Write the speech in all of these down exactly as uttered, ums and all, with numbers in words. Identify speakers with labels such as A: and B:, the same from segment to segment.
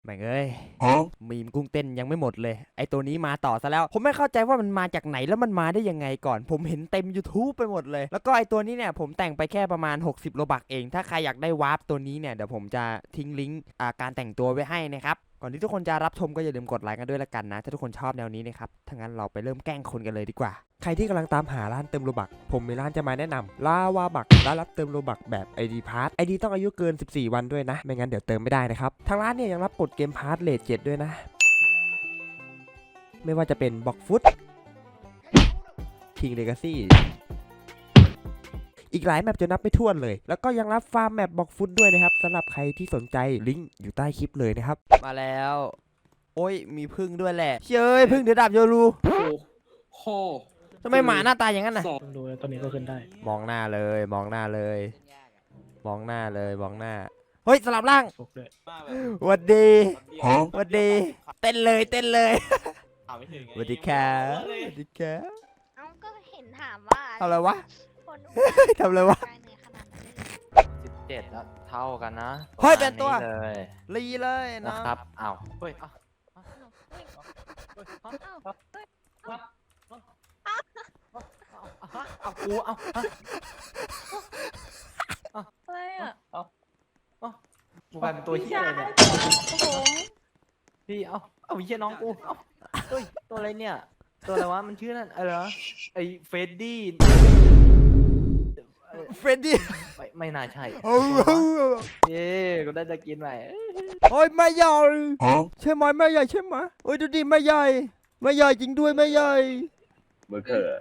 A: ม่งเอ้ยมีมกุ้งเต้นยังไม่หมดเลยไอตัวนี้มาต่อซะแล้วผมไม่เข้าใจว่ามันมาจากไหนแล้วมันมาได้ยังไงก่อนผมเห็นเต็ม YouTube ไปหมดเลยแล้วก็ไอตัวนี้เนี่ยผมแต่งไปแค่ประมาณหกสิบโลบักเองถ้าใครอยากได้วาร์ปตัวนี้เนี่ยเดี๋ยวผมจะทิ้งลิงก์การแต่งตัวไว้ให้นะครับก่อนที่ทุกคนจะรับชมก็อย่าลืมกดไลค์กันด้วยละกันนะถ้าทุกคนชอบแนวนี้นะครับถ้างั้นเราไปเริ่มแกล้งคนกันเลยดีกว่าใครที่กำลังตามหาร้านเติมโลบักผมมีร้านจะมาแนะนำลาวาบักร้านรับเติมโลบักแบบ ไอ ดี Pass ไอ ดี ต้องอายุเกินสิบสี่วันด้วยนะไม่งั้นเดี๋ยวเติมไม่ได้นะครับทางร้านเนี่ยยังรับกดเกมพาร์ทเลทเจ็ดด้วยนะไม่ว่าจะเป็นบ็อกฟุตคิงเลกาซี่อีกหลายแมปจะนับไม่ถ้วนเลยแล้วก็ยังรับฟาร์มแมปบ็อกฟุตด้วยนะครับสำหรับใครที่สนใจลิงก์อยู่ใต้คลิปเลยนะครับมาแล้วโอ้ยมีพึ่งด้วยแหละเชยพึ่งเดือดดับโยรู
B: โอ้โห
A: ทำไมหมาหน้าตาอย่างนั้นน่ะ
C: ดูแล้วตอนนี้ก็ขึ้นได้
A: มองหน้าเลยมองหน้าเลยมองหน้าเลยมองหน้าเฮ้ยสลับร่างวัดดีวัดดีเต้นเลยเต้นเลยวัดดีแค่วัดดีแค่
D: เอ้าก็เห็นถามว่า
A: ทำอะไรวะทำอะไรวะ
B: สิบเจ็ดแล้วเท่ากันนะ
A: เฮ้ยเป็นตัว
B: เลย
A: ลีเลย
B: นะครับอ้าวเฮ้ยเอากูเอา
D: อะไรอ่ะ
B: เอาเอากูกลายเป็นตัวเหี้ยเลยเนี่ยพี่เอาเอาเหี้ยน้องกูเอาเฮ้ยตัวอะไรเนี่ยตัวอะไรวะมันชื่อนั่นอะไรวะไอ้เฟดดี้
A: เฟรดดี้
B: ไม่ไม่น่าใช่เย้กูได้จะกินใหม่
A: โอ้ยไม่ใหญ่ใช่ไหมไม่ใหญ่ใช่ไหมโอ้ยดูดิไม่ใหญ่ไม่ใหญ่จริงด้วยไม่ใหญ่
B: เบอร์เกอร์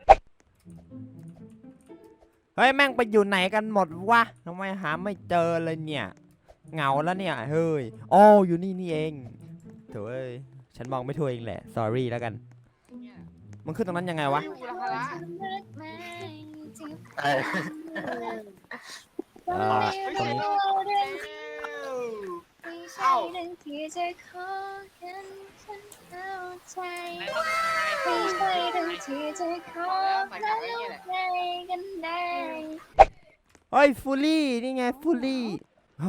A: เฮ้ยแม่งไปอยู่ไหนกันหมดวะทำไมหาไม่เจอเลยเนี่ยเหงาแล้วเนี่ยเฮ้ยอ๋ออยู่นี่นี่เองเถอะเอ้ยฉันมองไม่ทั่วเองแหละ sorry แล้วกันมันขึ้นตรงนั้นยังไงวะเออตรงนี้
D: ใช่เรื่องที่จะขอกันฉันเข้าใจไม่ใช่เรื่องที่จะขอแล้วใจกันได้
A: เฮ้ยฟูลี่นี่ไงฟูลี่ฮะ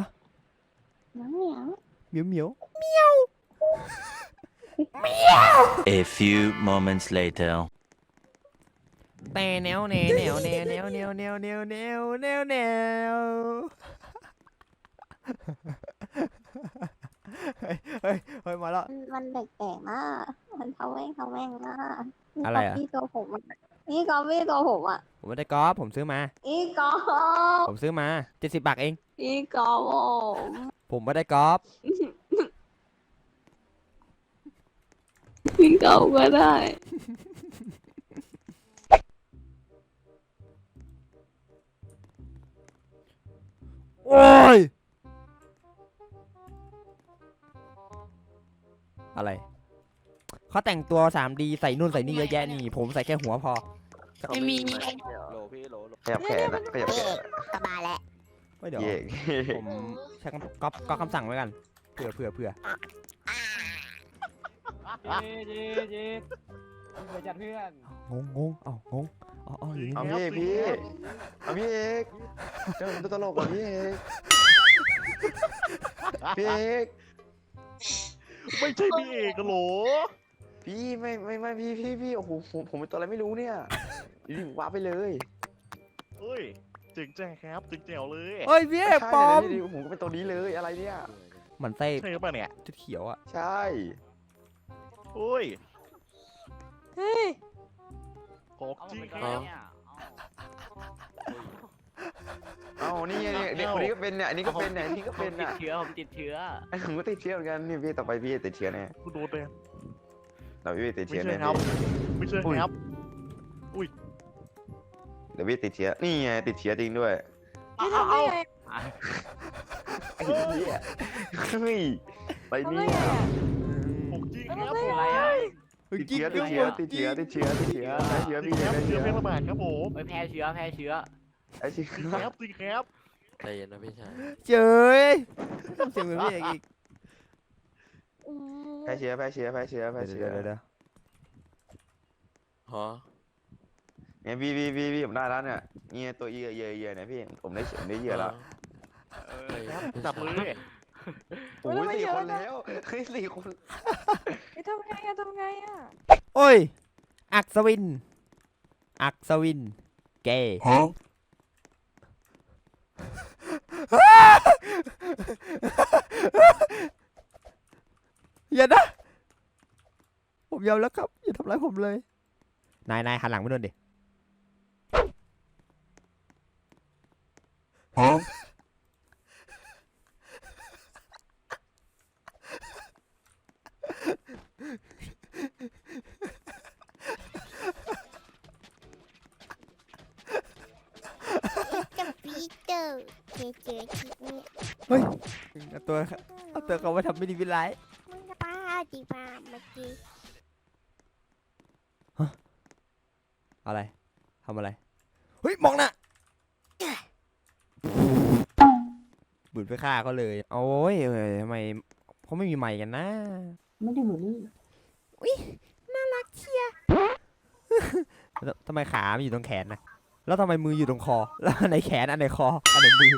A: เหมียวเหมียวเหมียวเหมียว
E: A few moments later
A: แต่แนวแนวแนวแนวแนวแนวแนวแนวแนวแนวแนวเฮ้ยเฮ้ยเฮ้ยมาแล้ว
D: มันแปลกๆมากมันทำแม่งทำแม่งมาก
A: อะไรอ่ะ
D: นี่ตัวผมนี่กอฟี่ตัวผมอ่ะ
A: ผมไม่ได้กอล์ฟผมซื้อมา
D: อีกอฟ
A: ผมซื้อมาเจ็ดสิบบาทเอง
D: อีกอฟ
A: ผมไม่ได้กอล์ฟ
D: อีกอฟก็ได้
A: โอ้ยอะไรเขาแต่งตัว ทรี ดี ใส่นู่นใส่นี่เยอะแยะนี่ผมใส่แค่หัวพอ
D: ไม่มี
B: โหลพี่โหล
E: ขยับแขนนะขยับแขน
D: สบายแล้ว
A: เดี๋ยวผมใช้ก๊อปก๊อปคำสั่งไว้กันเผื่อเผื่อเผื่อ
B: เย้เย้เย้เพื่อนจัดเพื่อน
A: งงงงเอางงอ๋ออ๋ออยู่นี่
E: เอาพี่พี่เอาพี่เอกเจ้าตัวตลกว่ะพี่เอกพี่เอก
F: ไม่ใช่พี่เอกหรอ
E: พี่ไม่ไม่ไม่พี่พี่พี่โอ้โหผมผมเป็นตัวอะไรไม่รู้เนี่ยอยู่ๆว้าไปเลย
F: เฮ้ยเจ๋งแจ๋ครับเจ๋งแจ๋วเลย
A: เฮ้ยพี่เอกปอม
E: ผมก็เป็นตัวนี้เลยอะไรเนี่ย
A: มันไส้
F: ใช่ป่ะเนี่ย
A: ชุดเขียวอ่ะ
E: ใช่
F: โอ้ย
D: เฮ้ย
F: ของจริงครับ
E: เอานี่เนี่ยเด็กคนนี้ก็เป็นเนี่ยอันนี้ก็เป็นเนี่ยนี่ก็เป็น
B: ติดเชื้อผมติดเชื้อ
E: ผมก็ติดเชื้อเหมือนกันนี่พี่ต่อไปพี่ติดเชื้อแน่
F: กูโดนเลย
E: เราพี่ติดเชื้อแน่
F: ไม่ใช่ครับอุ้ย
E: เดี๋ยวพี่ติดเชื้อนี่ไงติดเชื้อจริงด้วย
D: เอาเอา
E: ไอ้เหี้ยเฮ้ยไปเนี่ย
F: ของจริงครับ
B: อะไรอ่ะ
E: ติดเชื้อติดเชื้อติดเชื้อติดเชื้อติดเชื้อติดเชื้อพี่ติดเชื้อ
F: เชื้อเพร่ระบาดครับผม
B: แพ้เชื้อแพ้เชื้อ
E: ไอ้เชื้อ
F: ครับจริงครับ
B: ใจเย็นนะพี่ชาย
A: เจ๋ยต้องเสียงเหมือนพี่เอกอีก
E: แพ้เชื้อแพ้เชื้อแพ้เชื้อแพ้เชื้อ
A: เดี๋ยวเดี๋ยว
B: ฮะ
E: เนี่ยพี่พี่พี่พี่ผมได้แล้วเนี่ยเนี่ยตัวเยื่อเยื่อเยื่อเนี่ยพี่ผมได้ผมได้เยื่อแล้ว
F: จับมือ
E: โอ้ยสี่คนแล้วเฮ้ยสี่คน
C: ไอ้ทำไงอะทำไงอะ
A: โอ้ย อักษวิน อักษวิน เกย์อย่านะ ผมยอมแล้วครับ อย่าทำร้ายผมเลย นายนายหันหลังไปนู่นดิ
D: กับปีเตอร์เจอเจอที่นี่
A: เฮ้ยเอาตัวเอาตัวเขามาทำไม่ดีไม่ร้าย
D: มึงจะป้าจีบ้าเมื่อกี้
A: อะไรทำอะไร เฮ้ย มองนะบุญไปฆ่าเขาเลย โอ้ยเอ้ยทำไมเขาไม่มีไมค์กันนะ
C: ไม่ได้บูลลี่
A: แล้วทำไมขามันอยู่ตรงแขนนะ แล้วทำไมมืออยู่ตรงคอ แล้วอันไหนแขนอันไหนคอ อันไหนมือ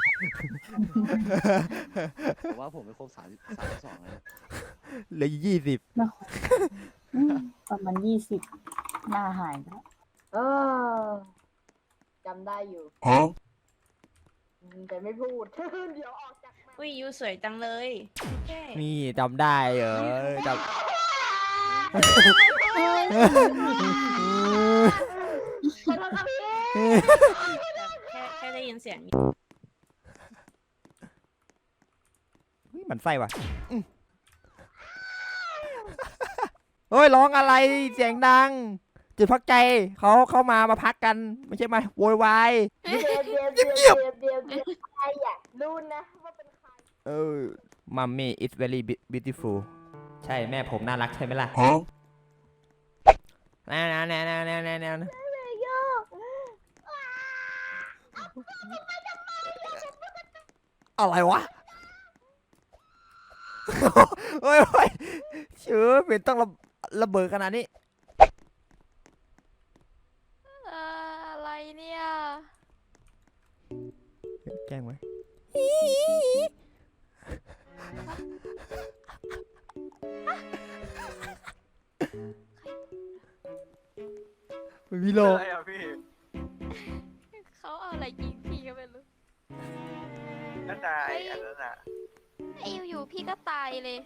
E: ผมว่าผมไม่ครบสามสามสองเลย
A: เหลือยี่สิบ
C: อืมประมาณยี่สิบหน้าหายไปแล้ว
G: เออจำได้อยู่แต่ไม่พูด เดี๋ยวออกจากมา
C: อุ้ยยูสวยจังเลยแค่
A: นี่จำได้เหรอจำ
G: ขอโทษครับพี่
C: แค่แค่ได้ยินเสียง
A: หมันไส้ว่ะอืมเฮ้ยร้องอะไรเสียงดัง จุดพักใจเขาเข้ามามาพักกัน ไม่ใช่มาโวยวาย
G: เดี๋ยวเดี๋ยวเดี๋ยวเดี๋ยวเดี๋ยวเดี๋ยวใครอ่ะรู้นะว่าเป็นใคร
A: เออมัมมี่ it's very beautiful ใช่แม่ผมน่ารักใช่ไหมล่ะแน่แน่แน่แน่แน่แน่แน่อะไรวะ เฮ้ยเฮ้ยเชื่อเป็นต้องระระเบิดขนาดนี้
D: อะไรเนี่ย
A: แกล้งไว้ไม่มีโล
B: อะไรอ่ะพี่
D: เขาเอาอะไรยิงพี่ก็ไม่รู้
B: นั่นนายอันนั้นอ่ะ
D: ไอ้อยู่ๆพี่ก็ตายเลย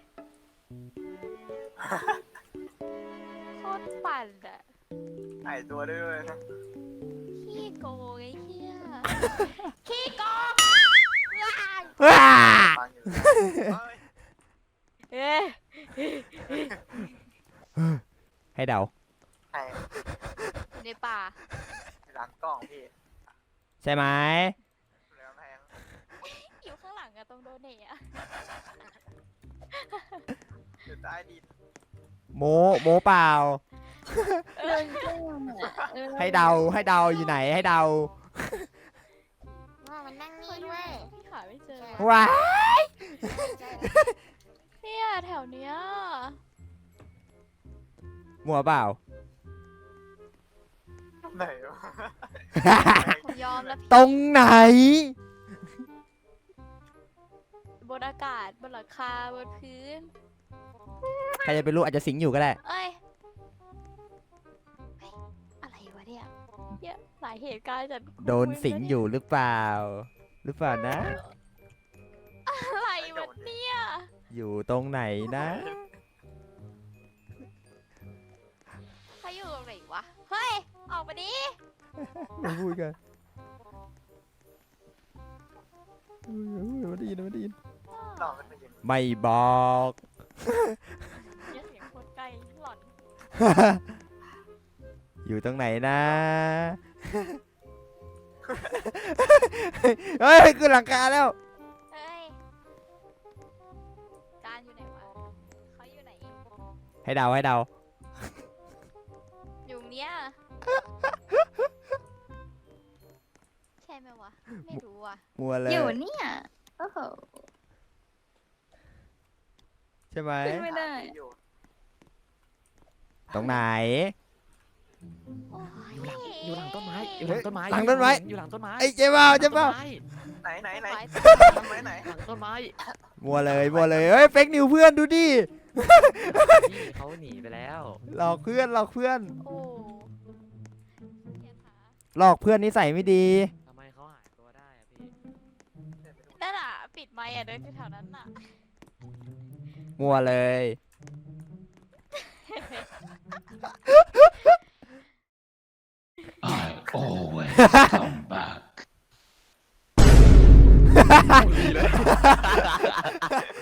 D: โคตรปั่นอะ
B: หายตัวได้ด้วยนะ
D: ขี้โกงไอ้เหี้ย ขี้โกงว้าย
A: ว้า
B: ฟังอยู่เฮ้ย
D: เอ๊ะ
A: ให้เดา
B: ใคร
D: ในป่า
B: หลังกล้องพี่
A: ใช่ไหม
B: เหลือแพง
D: อยู่ข้างหลังอะตรงโดเนทอะ
B: อยู่ใต้ดิน
A: โมโมเปล่า
D: เรื่องจริงอะ
A: ให้เดาให้เดาอยู่ไหนให้เดา
D: ว่ามันนั่งนี่ด้วยพี่หาไม่เจอ
A: ว้า
D: เนี่ยแถวเนี้ย
A: มัวเปล่า
B: ไหนวะ
D: ผมยอมแล้วพี่
A: ตรงไหน
D: บนอากาศบนหลังคาบนพื้น
A: ใครจะไปรู้อาจจะสิงอยู่ก็ได้
D: เอ้ยเฮ้ยอะไรวะเนี่ยเยอะหลายเหตุการณ์จัด
A: โดนสิงอยู่หรือเปล่า หรือเปล่านะ
D: อะไรวะเนี่ย
A: อยู่ตรงไหนนะ
D: เขาอยู่ตรงไหนวะ เฮ้ย ออกมาดิ
A: มาพูดกันไม่ได้ยินไม่ได้ยิน
B: หลอกกันไปยิง
A: ไม่บอก
D: เหี้ยเสียงโคตรใกล้หลอน
A: อยู่ตรงไหนนะ เฮ้ยขึ้นหลังคาแล้ว
D: เฮ้ยจานอยู่ไหนวะเขาอยู่ไหน
A: ให้เดาให้เดา
D: อยู่เนี้ยใช่ไหมวะ ไม่รู้อ่ะ
A: มัวเลย
D: อยู่เนี่ยโอ้โห
A: ใช่ไหม
C: ไม่ได้
B: อยู่
A: ตรงไหน
D: โอ้ย
E: อยู่หลังอยู่หลังต้นไม้อยู่หลังต้นไม้
A: หลังต้นไม้
E: อยู่หลังต้นไม้
A: ไอ้เจ๊เบ้าเจ๊เบ้า
E: หลังต้นไม้
B: ไหนไหนไหน
D: ไม้
B: ต้นไม้ไหน
E: หลังต้นไม้
A: มัวเลยมัวเลยเฮ้ยเฟกนิวเพื่อนดูดิ
E: พี่เขาหนีไปแล้ว
A: หลอกเพื่อนหลอกเพื่อน
D: โอ้เขียนหา
A: หลอกเพื่อนนิสัยไม่ดี
E: ทำไมเขาหายตัวได้อะพี่
D: นั่นอ่ะปิดไมค์อ่ะเดินอยู่แถวนั้นอ่ะ
A: มัวเลย
H: I always come back.